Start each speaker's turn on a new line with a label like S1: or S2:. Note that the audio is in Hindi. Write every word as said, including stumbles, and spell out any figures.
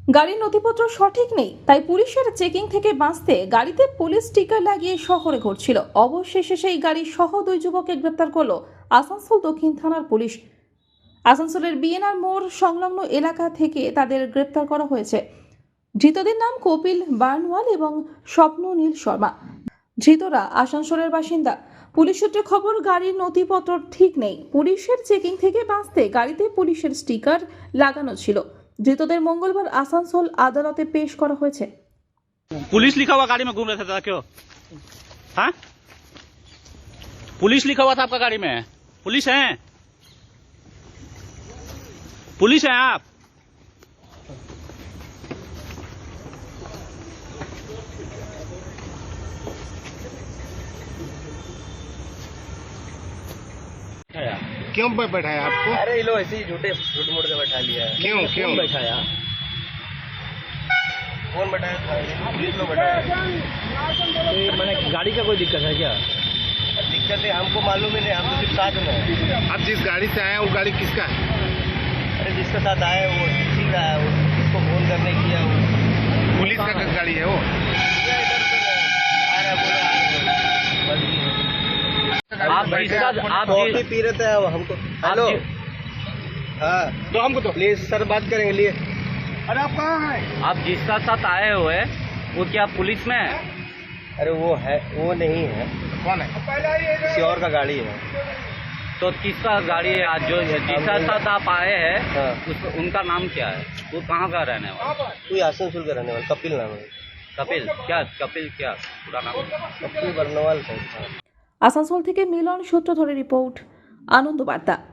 S1: গাড়ির নথিপত্র সঠিক নেই, তাই পুলিশের চেকিং থেকে বাঁচতে গাড়িতে পুলিশ স্টিকার লাগিয়ে শহরে ঘুরছিল। অবশেষে সেই গাড়ি সহ দুই যুবককে গ্রেপ্তার করলো আসানসোল দক্ষিণ থানার পুলিশ। আসানসোলের বিএনআর মোড় সংলগ্ন এলাকা থেকে তাদের গ্রেপ্তার করা হয়েছে। ধৃতদের নাম কপিল বার্নওয়াল এবং স্বপ্ননীল শর্মা। ধৃতরা আসানসোলের বাসিন্দা। পুলিশ সূত্রে খবর, গাড়ির নথিপত্র ঠিক নেই। পুলিশের চেকিং থেকে বাঁচতে গাড়িতে পুলিশের স্টিকার লাগানো ছিল। ধৃতদের মঙ্গলবার আসানসোল আদালতে পেশ করা হয়েছে।
S2: पुलिस लिखा हुआ गाड़ी में घूम रहा था क्यों? हाँ, पुलिस लिखा हुआ था आपका गाड़ी में? पुलिस है? पुलिस है आप?
S3: क्यों बै- बैठाया आपको?
S4: अरे ये लो ऐसे ही झूठे झूठ मूठ के बैठा लिया है।
S3: क्यों क्यों
S4: कौन बैठाया? कौन बैठाया था? पुलिस लोग बैठाया।
S2: तो मैंने गाड़ी का कोई दिक्कत है क्या?
S4: दिक्कत है हमको मालूम ही नहीं, हम तो सिर्फ साथ में हैं।
S3: आप जिस गाड़ी से आए हैं वो गाड़ी किसका है?
S4: अरे जिसके साथ आए वो किसी का है, वो किसको फोन करने किया वो
S3: पुलिस का गाड़ी है वो?
S4: किया इधर से आ रहा बोला आ रहा बंद की।
S2: आप जिसका आप
S4: कॉफी
S2: जिस-
S4: पी रहे थे अब हमको। हेलो
S2: जी-
S4: हाँ
S3: तो हमको तो
S4: प्लीज सर बात करेंगे लिए।
S3: अरे आप कहाँ हैं?
S2: आप जिसका साथ आए हुए वो क्या पुलिस में है?
S4: अरे वो है, वो नहीं है,
S3: कौन है?
S4: किसी और का गाड़ी है।
S2: तो किसका गाड़ी है? आज जो जिसका साथ आप आए हैं
S4: हाँ
S2: उस, उनका नाम क्या है? वो कहाँ का रहने वाला?
S4: कोई आसनसोल का रहने वाला कपिल नाम है।
S2: कपिल क्या? कपिल क्या पूरा नाम?
S4: कपिल बर्नवाल का।
S1: আসানসোল থেকে মিলন সূত্র ধরে রিপোর্ট, আনন্দ বার্তা।